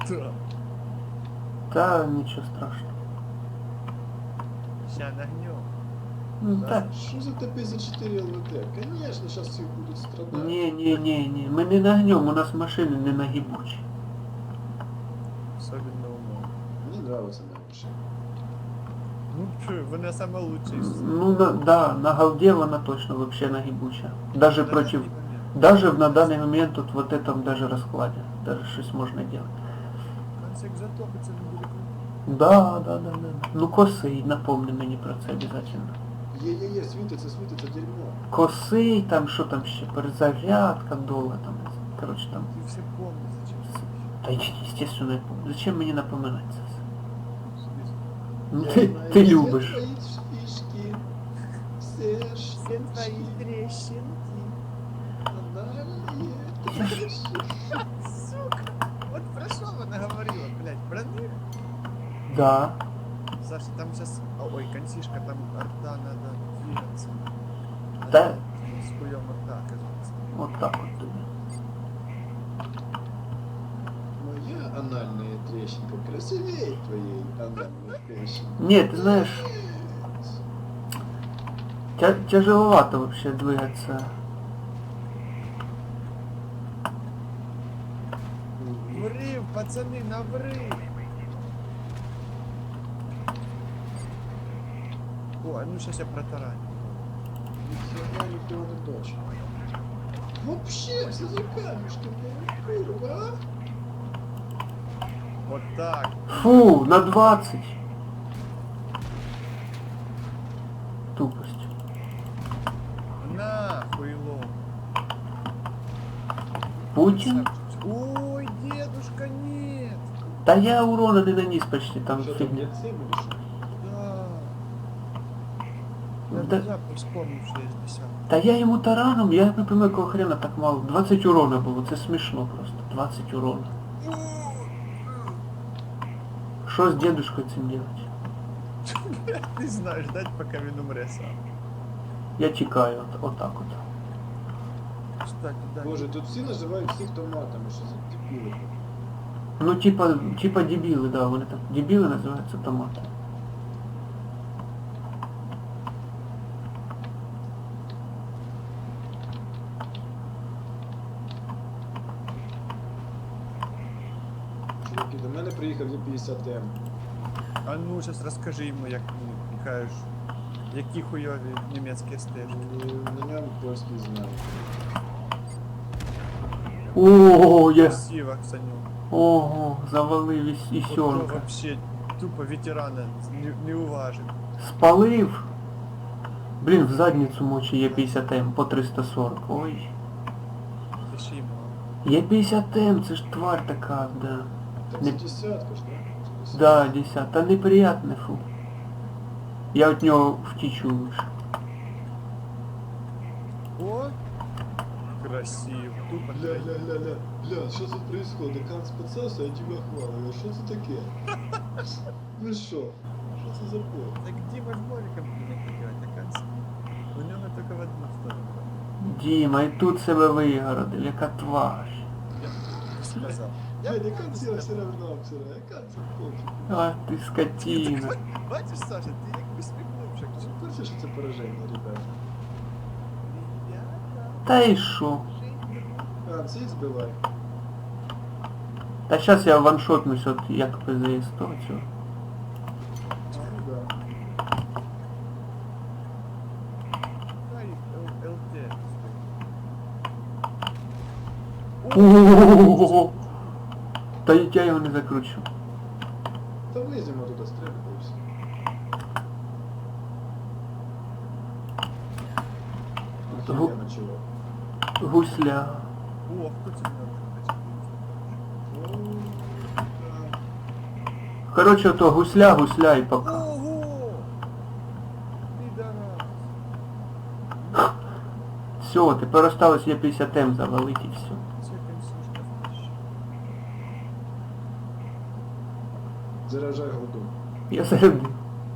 Да. Та нічого страшного. Ща нагнем. Ну Да. так. Что за Т-54 ЛВТ? Конечно, сейчас все будут страдать. Ні. Ми не нагнем, у нас машини не нагибучі. Особенно умом. Мне нравится моя машина. Ну чё, вони саме лучші. Ну да, на голде вона точно вообще нагибуча. Даже против... Момент. Даже на данный момент тут вот этом даже раскладе. Даже щось можна делать. Концик затопиться недалеко. Да. Ну косий, напомни мені про це обязательно. Е-е-е, світиться дерьмо. Косий, там що там ще, перезарядка довга там. Короче там. Ты все помнишь, зачем Та естественно, я помню. Зачем мені напоминати це все? Ну Я ти, знаю ти все любиш. твои фишки, все штучки, трещинки. анальные трещинки. Сука! Вот про что она говорила, блядь, про них? Да. Саша, там сейчас... Ой, консишка, там рта надо двигаться. Да. С хуем рта, кажется. Вот так вот тобі. Моя анальная трещинка красивее твоей анальной трещинки. Ні, ти знаєш, тяжеловато вообще двигаться. Врыв, пацаны, на врыв! О, а ну сейчас я протараню. Нихера не дочь. Вообще, все за камешки, курва, а? Вот так. Фу, на 20. Тупость. На, хуйло. Путин? Ой, дедушка, нет! Да я урона не наніс почти, там Что там, фигня. нет цели или что? Да. Я Да. внезапно вспомнил, что есть 10. Та я йому тараном, я не пойму, якого хрена так мало. 20 урона було, це смішно просто. 20 урона. Що з дедушкою цим делать? Ты знаешь, ждать, пока він умре сам. Я тікаю, отак от. Кстати, да. Боже, тут все называют всех томатами, что за дебилы. Ну типа дебіли, да, вони так. Дебіли називаються томати. Чуваки, до мене приїхав Є-50М. А ну, сейчас расскажи ему, як ти кажеш, які хуйові німецькі стежки. На ньому польський знак. Ого, я... Красиво, Саню. Ого, завалив і Ото сьорка. вообще тупо ветерана не уважив. Спалив. Блін, в задницю мочі є 50М по 340. Ой. Це ще й мало. Є 50М, це ж тварь така, да. Так Не- це десятка ж, да? Да, 10. Та неприятне, фу. Я від нього втічу лише. О! Красиво. Тупо Бля, что тут происходит? Кан спецался, а тебя хвалю. Что это таке? Ну что? Что это за бой? Так Дима ж моликом не пригать, а конца. У нього тільки в одну сторону. Діма, і тут себе вигородив, яка тварь. Я сказав. Я не концера все равно, вчера. Я концер пофиг. А ти скотина. Бачиш, Саша, ти як усміхнувся. Ти в курсі, що це пораження, ребята? Та і що? А, цих збивай. Та щас я ваншотнусь от як ПЗС то цього. Ну да. ЛТ. Ого! Та я його не закручу. Та вліземо туди, стріляємо і все. Охеренно, чувак. Гусля. О, хто це мене Ну, да. Короче, то гусля і пока. Ого! Підарас. Все, тепер осталось є 50М завалити і все. Це консушка втащила. Заражай голду. Я зарядив.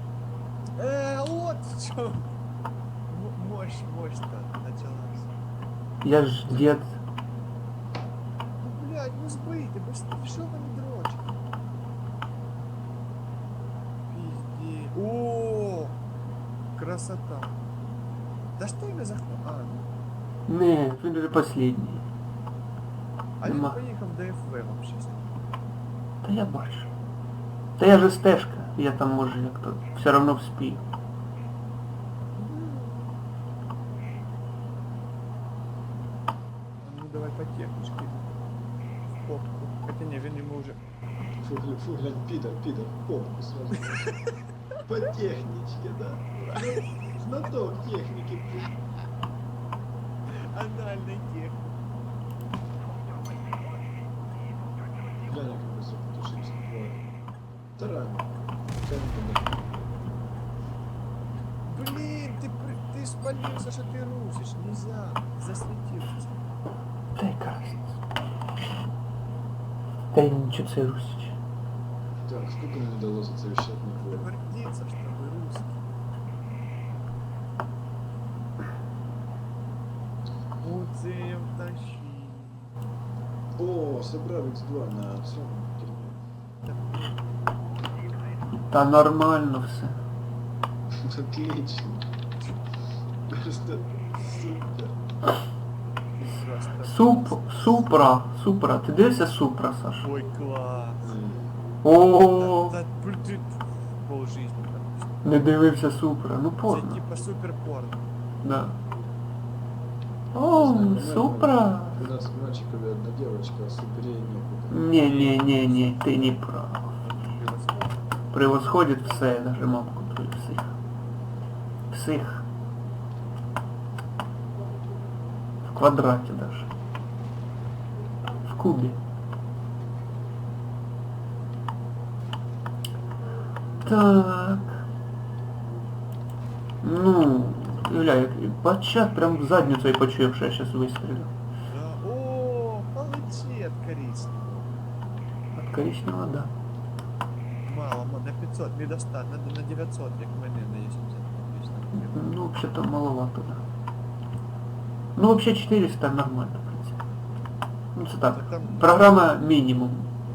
От що. Мощь-то началась. Я ж дед. Ну, блядь, ну збийте, бо що ви не дрочите? красота. Да что я захват? А, ну. Не, він вже последній. А він Нема. поїхав до ФВ вообще. Та я бачу. Та я же стежка, я там може як то все равно вспію. Ну давай по техничке. В попку. Хотя не, він йому вже... Фу, глянь, пидор, попку сразу. По техничке, да. Знаток техники. Анальний тех. Глянь, как быстро потушился. Тарань. Блин, ты спалился, что ты русишь. Нельзя. Засветился. Та яка разниця? Та й нічого це русич. Так, сколько мне дало за совещательный бой? Гордиться, что вы русский. Музеев тащи. О, собрал X2 на цьому. Та нормально все. Отлично. Просто супер. Просто... Супра. Ти дивишся Супра, Саша? Ой, класс. О, Да, ты пол жизни там. не дивився Супра. Ну Это порно. типа супер порно. Да. О, Супра. 12 мальчиков и одна девочка, а суперей некуда. Не, ти не прав. Превосходит все, даже мамку твою всіх. Всіх. В квадраті даже. В кубі. Так. Ну, Юля, як бачат прям в задницю і почув, що я зараз вистрілю. Да. О, получи от коричневого. От коричневого, да. Мало, на 500, не достать, надо на 900, як в мене на 80. Ну, вообще-то маловато, да. Ну, вообще 400 нормально, в принципе. Ну, це так. Так там Программа минимум.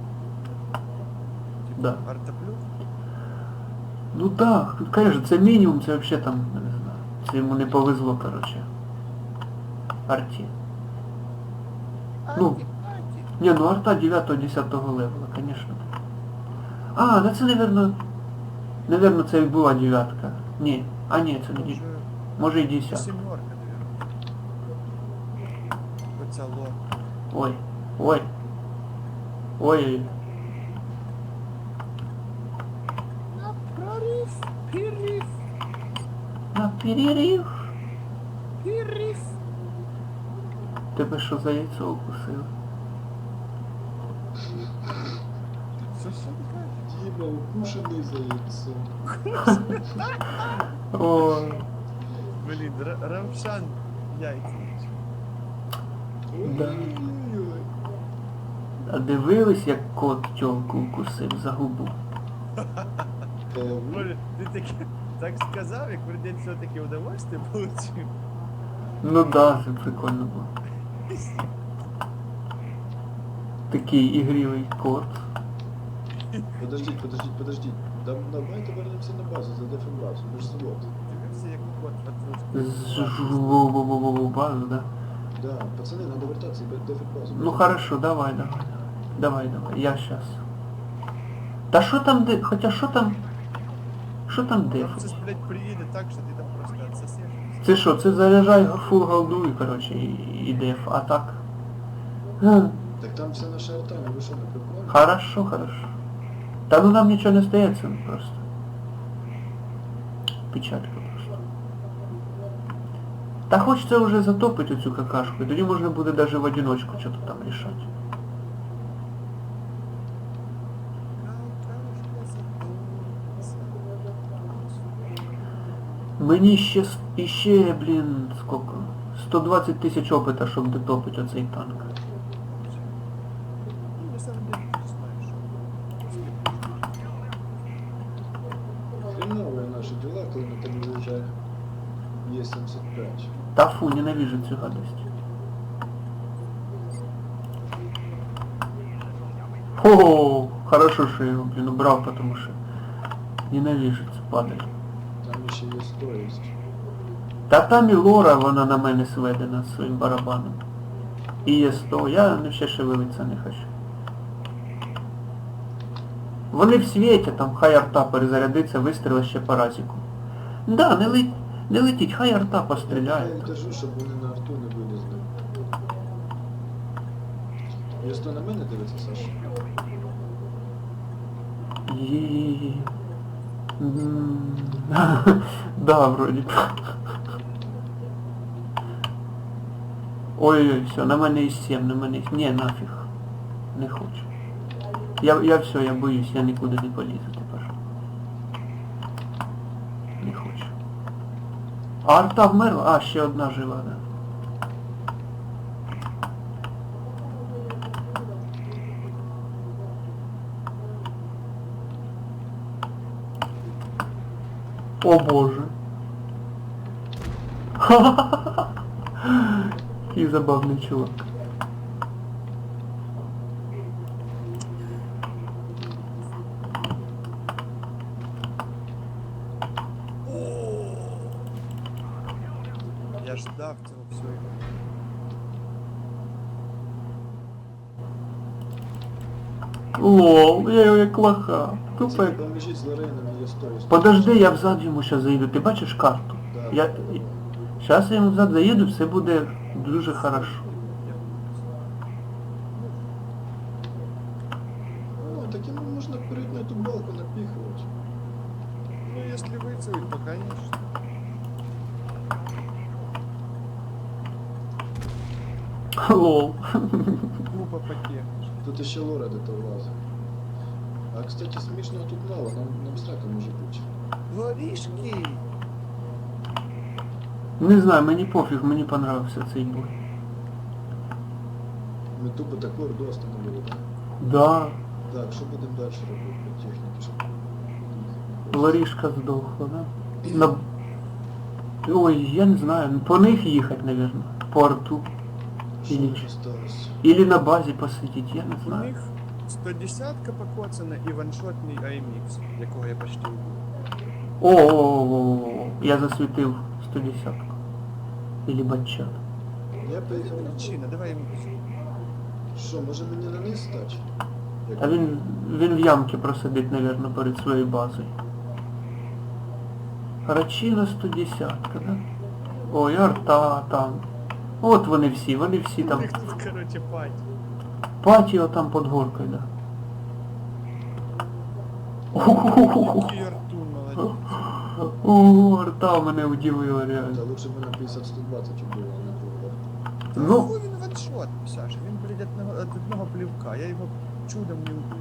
Да. Артоплюс? Ну да, конечно, це мінімум, це вообще там, не знаю. Це йому не повезло, короче. Арті. Ну, не, ну арта 9-10 левела, конечно. А, да це, наверно, це і була 9-ка. Ні, а ні, це не 9. Може і 10. Семерка, наверное. Поцело. Ой. На прорыв, перерыв, На перерив. перерыв. Тебе що за яйцо укусило? Что такое? Дима, укушенный за яйцо. Ой. Блин, Равшан яйца. Да. Ой-ой-ой. А дивились, як кот тьолку укусив за губу? Боже, ты так сказал, як вроде все-таки удовольствие получил. Ну да, це прикольно було. Такий ігривий кот. Подождите. Давайте вернемся на базу за дефибрацию, мы же завод. Дивився, як кот подружки. З базу, да? Да, пацаны, надо вертаться в дефибрацию. Ну хорошо, давай. Давай, я щас. Та що там де... Хоча що там Там деф? це, блядь, приїде так, що ти там просто отсосеш. Це що, це заряджай фул голду і, короче, і деф, а так? Га. Так там вся наша арта, ну вы что, на приколе? Хорошо. Та ну нам нічого не стається, ну просто. Печалька просто. Та хочеться вже затопити оцю какашку, і тоді можна буде даже в одиночку щось там рішати. Мені ще, блін, сколько? 120 тисяч опита, щоб дотопити оцей танк. Ну, на самом деле, ты знаешь, Хреновые наши дела, коли ми там виїжджаємо. Е-75. Та фу, ненавижу цю гадость. О, хорошо, що я його, блін, убрав, потому що ненавижу цю падаль. Там ще є стоїсть. Та там і Лора, вона на мене сведена своїм барабаном. І є 100, я не ще шевелиться не хочу. Вони в світі, там хай арта перезарядиться, вистріли ще по разіку. Да, не летіть, хай арта Я постріляє. їм кажу, щоб вони на арту не вилізли. Є 100 на мене дивиться, Саша? І... Да, вроді. Ой-ой, все, на мене і 7, на мене... Ні, нафіг. Не хочу. Я все, я боюсь, я нікуди не полізу тепер. Не хочу. А арта вмерла? А, ще одна жива, да. О боже. Який забавний чувак. Я ждав цього всього. Лол, я його як лоха. Тупо як... Поможіть з Лорейном, є стоїсть. Подожди, я взад йому ще заїду. Ти бачиш карту? Да. Зараз я йому взад заїду, все буде дуже хорошо. Ну, таким можна перейти на ту балку напихувати. Ну, если выцелить, то конечно. Лол. Глупо потехнешь. Тут ще Лора де-то влазить. А, кстати, смішного тут мало, нам срака може бути. Воришки! Не знаю, мені пофіг, мені понравився цей бой. Ми тупо таку орду остановили, так? Да, Так, що будемо далі робити по техніці? Щоб... Ларішка здохла, да? На... Ой, я не знаю, по них їхати, наверное. По арту. Що Или, ж осталось? или на базі посидіти, я не У знаю. них 110-ка покоцана і ваншотний AMX, якого я почти вбив. О, я засвітив 110-ку. Или батчат. Я поїхав на Причина, давай йому. Що, може мені на низ стати? А він в ямки просидить, наверное, перед своєю базою. Рачина 110-ка, да? Ой, арта там. От вони всі У там. них тут, короче, пать. Патіо там під горкою, да. Який Артур, молодець. О, арта мене удивила Та реально. лучше б на 50-120 було, а не було. Ну. Ну, він ваншот, Саша, він, блядь, від одного плівка, я його чудом не убив.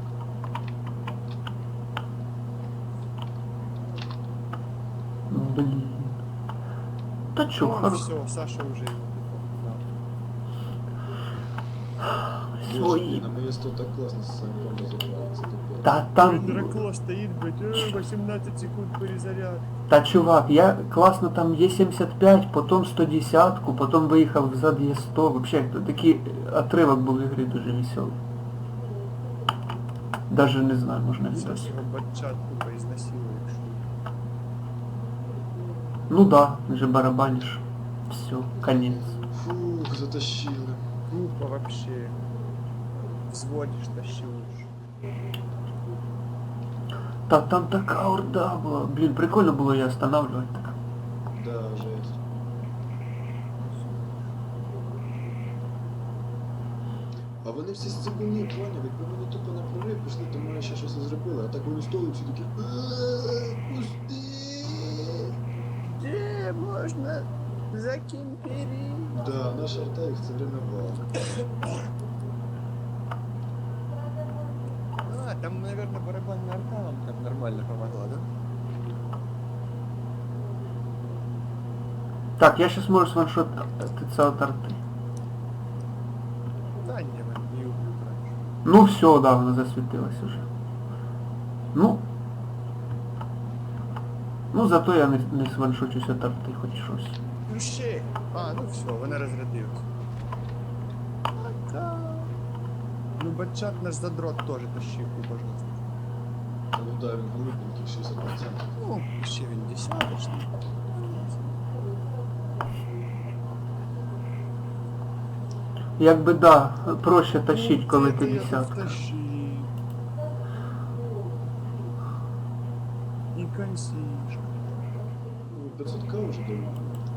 Блін. Та чо, Ну, хорошо. все, Саша вже його Свої. На моє 100 так класно з самим розібрали, це тупо. Та там... Драко стоїть, блядь, 18 секунд перезаряд. Та чувак, я класно там є 75, потім 110-ку, потім виїхав взад є 100. Вообще, такий отрывок був в ігрі дуже веселий. Даже не знаю, можна Зараз взяти. його батчат тупо ізнасилує, якщо. Ну да, вже барабаниш. Все, конец. Фух, затащили. Глупо вообще. Взводишь, тащишь. Та там така орда була. Блін, прикольно було її останавливати так. Да, жесть. А вони всі з цибуні, поняв, якби вони тупо на прорив пішли, то може ще щось і зробили, а так вони стоять всі такі пусти. Где можно закимперить? Да, наша арта їх все время вала. А, там, наверное, барабанная арта вам так нормально помогла, да? Так, я сейчас можу сваншот ТЦ от арти. Да, не, man, не убью раньше. Ну все, да, вона засвітилась уже. Ну зато я не сваншочусь от арти, хоч щось. Ну ще. А, ну все, вона розрядилась. Пока. Ну, батчат наш задрот тоже тащил, божественно. Та ну да, він голубенький, 60%. Ну, ще він десяточний. Якби да, проще тащить, Ну, коли це ти я тут десятка. тащив. І консишка. Ну, 500к вже давно.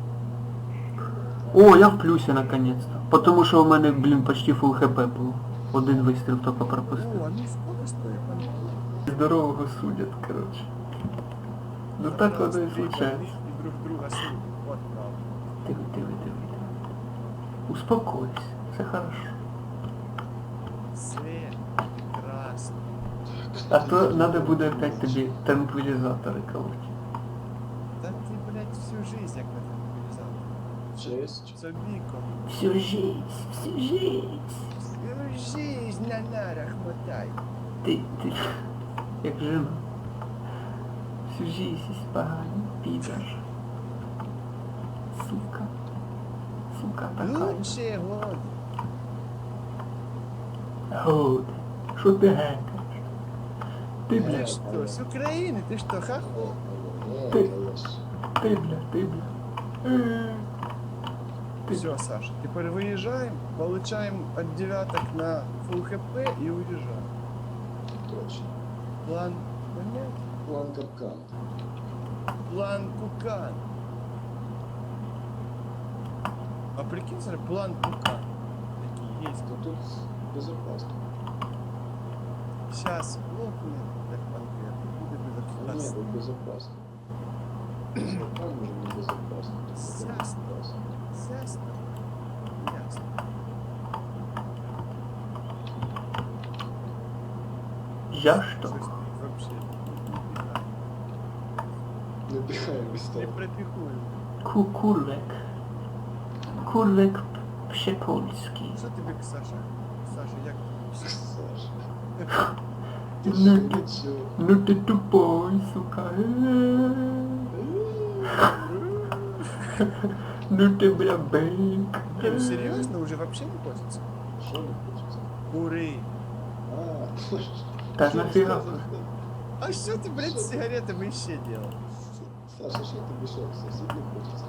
О, я в плюсі наконец-то. Потому що у мене, блін, почти фул хп було. Один вистріл тільки пропустив. О, а ну сколько стоит он? Здорового судять, короче. Ну так воно і случається. И друг друга судят. Вот правда. Диви. Успокойся, все хорошо. Свет, прекрасно. А то надо буде опять тобі транквилізатори колоть. Да ты, блядь, всю жизнь як на транквилизатор. Честь. Собіко. Всю жизнь. Всю жизнь на нарах мотай. Ти, як жена. Всю жизнь поганий підар. Сука така. Лучшие годы. Годи. Що ти гекаєш? Ти, Ты бля, что, с Украины? Ты что, хохол? Ти. Ти. ти, бля. Ты- Все, Саша, теперь выезжаем, получаем от девяток на фул хп и уезжаем. Точно. План понять? План капкан. План Кукан. А прикинь, смотри, план Кукан. Такие есть. То тут безопасно. Сейчас лопнет, как конкретно. Будет Ні, безопасно. тут безопасно. Там може не безопасно. тут Ясно. безопасно. Ясно? Ясно. Я що? Слушай, ты вообще Не пихаємо не місто. пропихую. Курвик пшепольський. Что тебе, Саша? Саша, як тобі все? Саша. Ти Ну що, ти- нічого? Ну ти тупой, сука. Ну ти, бля, бейк. Не, ну серьезно, уже вообще не хочется? Що не хочеться? Куры. А, Та що нафіга? ти сказав? А что ты, блядь, с сигаретами еще делал? Саша, що тобі що? Сосід не хочеться?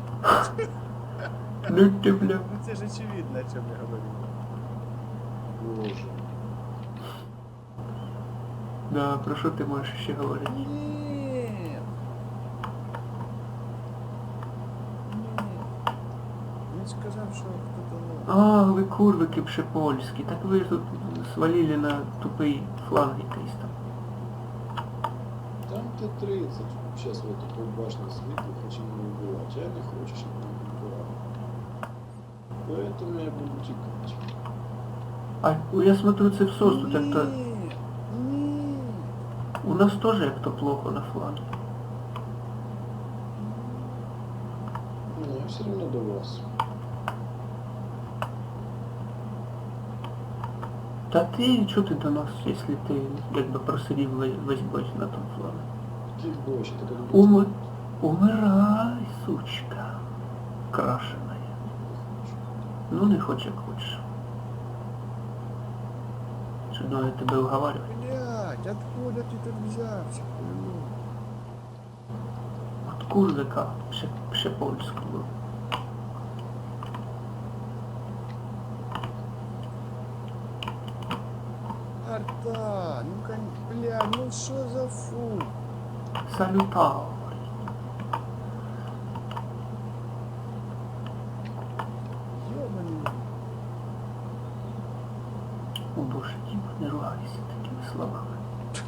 Ну ти, бля. Ну тебе же очевидно, о чем я говорю. Боже. Да, про що ти можеш ще говорити? Нет. Нет. Він сказав, що хто-то новий. А, ви курвики пшепольські. Так ви ж тут свалили на тупий фланг якийсь там. Там Т-30. Сейчас вот такой башня світла, хочемо не вбивати. Я не хочу, щоб мене вбивали. Поэтому я буду тікати. А я смотрю, це в СОС тут як-то... Ні. У нас теж як-то плохо на фланге. Ну, я все равно до вас. Та ти, чого ти до нас, якщо ти якби просидів весь бой на тому флангі? Ти більше, ти коли Умирай, сучка. Крашеная. Ну не хоч як хочеш. Чудно я тебе уговариваю. Блядь, откуда ты тут взявся? Хуйло? От курвика пшепольського. Арта, ну-ка, бля, ну что за фу? Салютар. Ёбаный. О боже, Діма, не ругайся такими словами.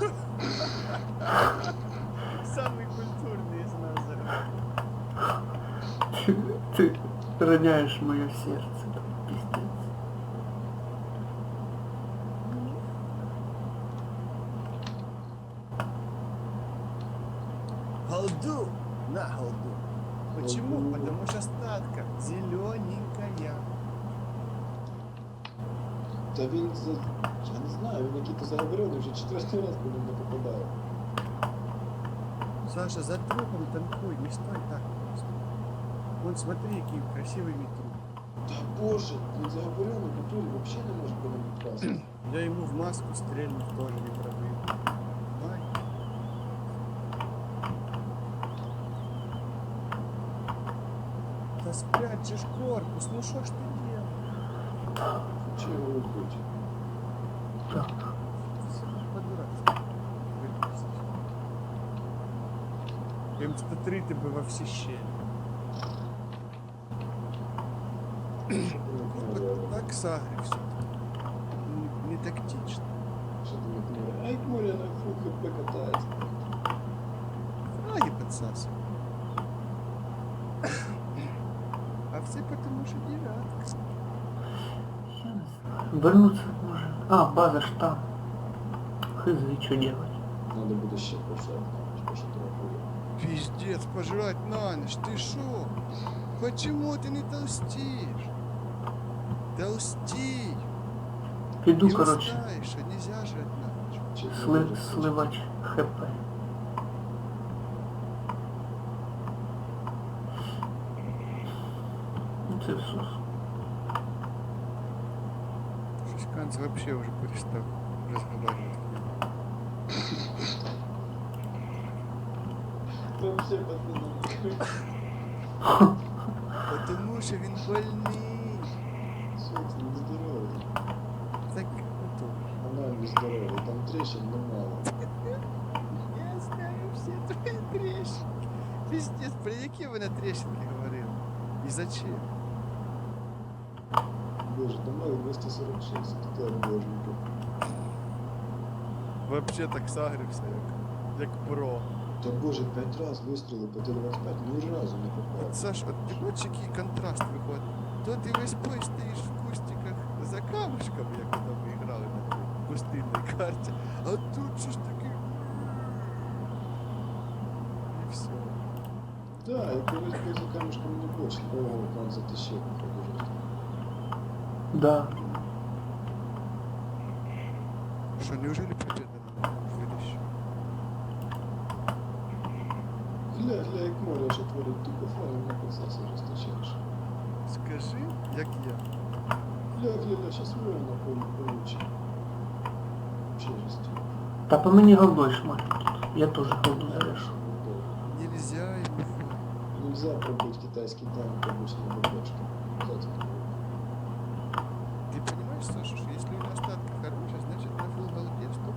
Самый культурный из нас зараз. Ти роняєш моє серце, там, піздець. Голду на голду. Почему? Голду. Потому что статка зелененькая. Та він за... Я не знаю, він який-то заговорений вже четвертий раз по ньому не попадає. Саша, за трупом танкуй, не стой так просто. Вон смотри, какие красивый труп. Та боже, він заговорений, натурі взагалі не може по ньому попасти. Я ему в маску стрельнув, тоже не пробил. Ай. Да спрячешь корпус, ну что ж ты делаешь? Чи його робити? Так. По-дурацки. М103 тебе во всі щелі. Так сагрився. Не тактично. Що там як море? Ай, море на фул хп катається. Фраги подсасывай. А все потому что девятка. Я не знаю. Вернуться може. А, база ж там. Хз, что делать? Надо буде ще пожати, що трохи. Пиздец, пожрать на ночь, ты шо? Почему ты не толстишь? Толстей! Піду, Не коротше, устаешь, а нельзя жрать на ночь. сливач хп. Ну це все. Шишканц вообще уже перестал разговаривать. Вообще, пацаны. Потому что він больний. Що це нездоровий? Так, ну Анально здоровий, там трещин немало. я знаю все твои трещинки. Пиздец, про які ви на трещинки говорили? І зачем? Боже, там мало 246, тут боженька. Вообще так сагрився, як про. Та боже, 5 раз вистрілив по Т-25, ні разу не попав. От, Саш, от ти бачиш, який контраст виходить. То ти весь бой стоїш в кустиках за камушками, як ми там грали на тій пустинній карті. А тут що ж таки. І все. Да, і колись поза камушком не більше, кого там затащив, походу жорстко. Да. Що, неужели победа нам видащу? Гля, як море, що творить тупо флаги на процесі розтачаєш. Скажи, як я. Гля, щас море на повну получить. Вообще жесті. Та по мені голдой шмаль. Я теж голду залишу. Нельзя ему. Нельзя пробить китайский танк обычной БПшкой. Обязательно. Ты понимаешь, Саша, что если у нас остатки хорошие, значит на фул голде стоп.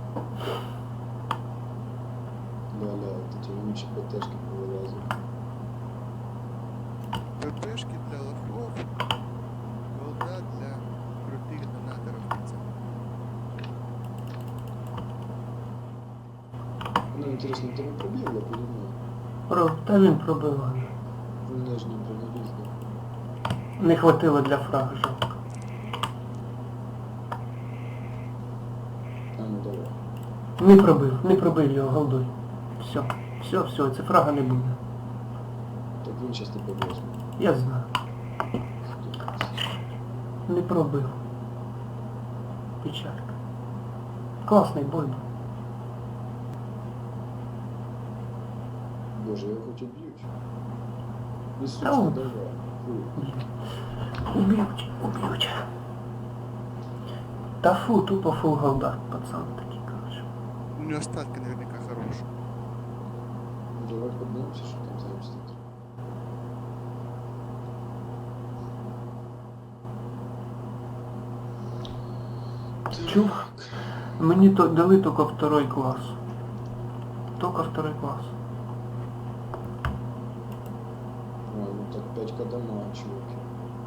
Ля-ля, вот эти вонючие БТшки повылазят. ППшки для лохов, голда для крутых донаторов. пацаны. Ну, интересно, ты не пробил, я понимаю. Та він пробиває. Нижний броневик, да. Не хватило для фрага жалко. А, ну давай. Не пробив його голдой. Все, це фрага не буде. Так він сейчас тебе возьме. Я знаю. Не пробив. Печалька. Класний бой був. Боже, його хоч уб'ють. Не Та сучка, он. давай. Фу. Уб'ють. Та фу, тупо фул голда, пацан такий, короче. У него остатки наверняка хорошие. Ну, давай поднимемся, что там за обстоит. Чув? Мені то дали тільки второй клас. Тільки второй клас. А, ну так 5 дома, чуваки.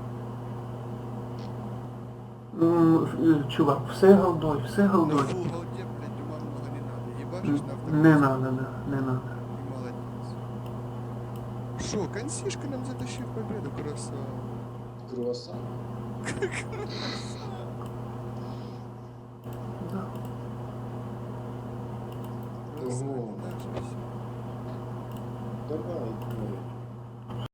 Чувак, все голдой. На фул голде, блядь, ума много не надо. Ебашишь на втором. Не надо, да, не надо. И молодец. Шо, консишка нам затащил победу, красава. Круассан. Да. Красава, Ого. наше всё. Давай, море.